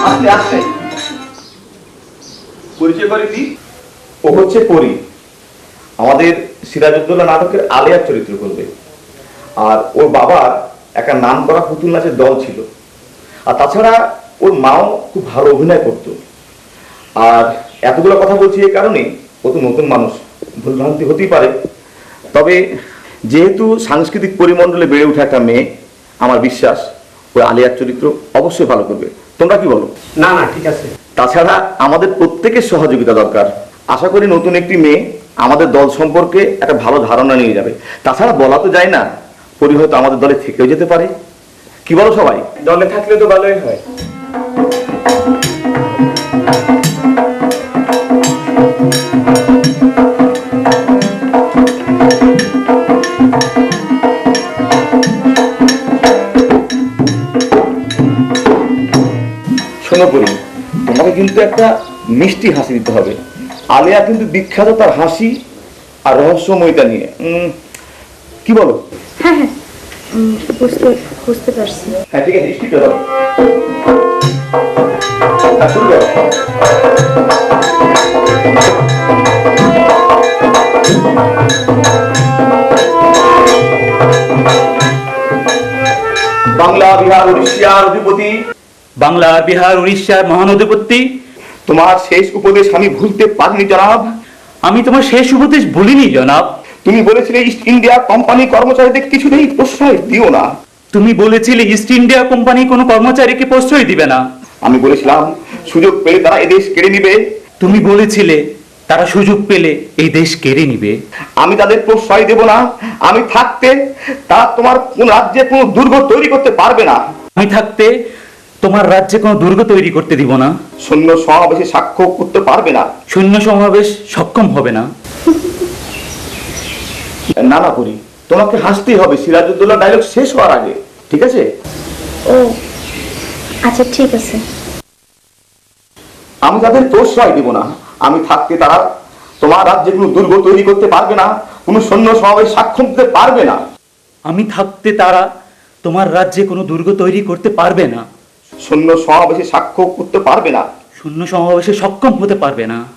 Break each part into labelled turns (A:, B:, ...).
A: আস্তে আস্তে পরিচয় করে দি। ও হচ্ছে পরি, আমাদের সিরাজউদ্দৌলা নাটকের আলেয়ার চরিত্র করবে। আর ওর বাবার একটা নাম করা পুতুল নাচের দল ছিল। আর তাছাড়া ওর মাও খুব ভালো অভিনয় করতো। আর এতগুলো কথা বলছি এই কারণে, ও তো নতুন মানুষ, ভুলভ্রান্তি হতেই পারে। তবে যেহেতু সাংস্কৃতিক পরিমণ্ডলে বেড়ে ওঠা একটা মেয়ে, আমার বিশ্বাস ওই আলিয়ার চরিত্র অবশ্যই ভালো করবে। তোমরা কি বলো?
B: না না, ঠিক আছে।
A: তাছাড়া আমাদের প্রত্যেকের সহযোগিতা দরকার। আশা করি নতুন একটি মেয়ে আমাদের দল সম্পর্কে একটা ভালো ধারণা নিয়ে যাবে। তাছাড়া বলা তো যায় না, পরি হয়তো আমাদের দলে থেকেও যেতে পারে। কি বলো সবাই?
B: দলে থাকলে তো ভালোই হয়।
A: শোনো পরি, তোমাকে কিন্তু একটা মিষ্টি হাসি দিতে হবে। আলিয়া কিন্তু বিখ্যাত তার হাসি আর রহস্যময়তা নিয়ে। কি বলো?
C: হ্যাঁ হ্যাঁ, বুঝতে পারছি।
A: হ্যাঁ ঠিক আছে, স্পিড করো। হ্যাঁ, শুরু করো। বাংলা, বিহার, উড়িষ্যার অধিপতি,
D: বাংলা, বিহার, উড়িষ্যার মহানধিপতি,
A: তোমার শেষ উপদেশ আমি ভুলতে পারিনি জনাব।
D: আমি তোমার শেষ উপদেশ ভুলিনি জনাব।
A: তুমি বলেছিলে ইস্ট ইন্ডিয়া কোম্পানি কর্মচারীদের কিছুতেই প্রশ্রয় দিও না।
D: তুমি বলেছিলে ইস্ট ইন্ডিয়া কোম্পানি কোনো কর্মচারীকে প্রশ্রয় দিবে না।
A: আমি বলেছিলাম সুযোগ পেলে তারা এদেশ কেড়ে নিবে।
D: তুমি বলেছিলে তারা সুযোগ পেলে এই দেশ কেড়ে নিবে।
A: আমি তাদের প্রশ্রয় দেব না। আমি থাকতে তারা তোমার কোন রাজ্যে কোনো দুর্গ তৈরি করতে পারবে না।
D: আমি থাকতে তোমার রাজ্যে কোনো দুর্গ তৈরি করতে দিব না।
A: সৈন্য সমাবেশে সাক্ষ্য করতে পারবে না।
D: সৈন্য সমাবেশ সক্ষম হবে না।
A: না না করি, তোমাকে হাসতেই হবে সিরাজউদ্দৌলা ডায়লগ শেষ হওয়ার আগে, ঠিক আছে?
C: ও আচ্ছা, ঠিক আছে।
A: আমি তাদের প্রশ্রয় দেব না। আমি থাকতে তারা তোমার রাজ্যে কোনো দুর্গ তৈরি করতে পারবে না, কোনো সৈন্য সমাবেশ সাক্ষম দিতে পারবে না।
D: আমি থাকতে তারা তোমার রাজ্যে কোনো দুর্গ তৈরি করতে পারবে না।
A: সৈন্য সমাবেশে সাক্ষ্য করতে পারবে না।
D: সৈন্য সমাবেশে সক্ষম হতে পারবে না।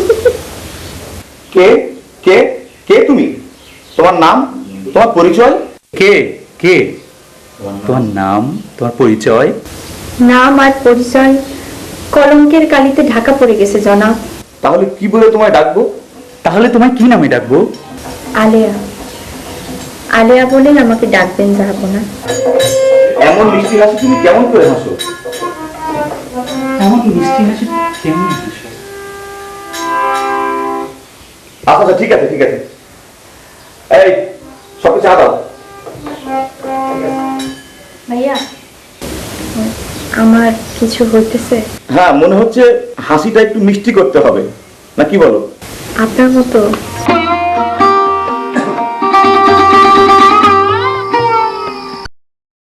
A: কে কে কে তুমি? তোমার নাম, তোমার পরিচয়?
D: কে কে তোমার নাম, তোমার পরিচয়?
C: নাম আর পরিচয় কলঙ্কের কালিতে ঢাকা পড়ে গেছে জনাব।
A: তাহলে কি বলে তোমায় ডাকবো?
D: তাহলে তোমায় কি নামে ডাকবো?
C: আলেয়া। আলেয়া বলেন আমাকে ডাকবেন, যাবো না।
A: এমন মিষ্টি হাসি তুমি কেমন করে হাসো?
D: এমন মিষ্টি হাসি কেমন হাসো?
A: আচ্ছা ঠিক আছে ঠিক আছে, এই সবকে চা দাও।
C: ভাইয়া, আমার কিছু হইতেছে?
A: হ্যাঁ, মনে হচ্ছে হাসিটা একটু মিষ্টি করতে হবে, না কি বলো?
C: আপনার মতো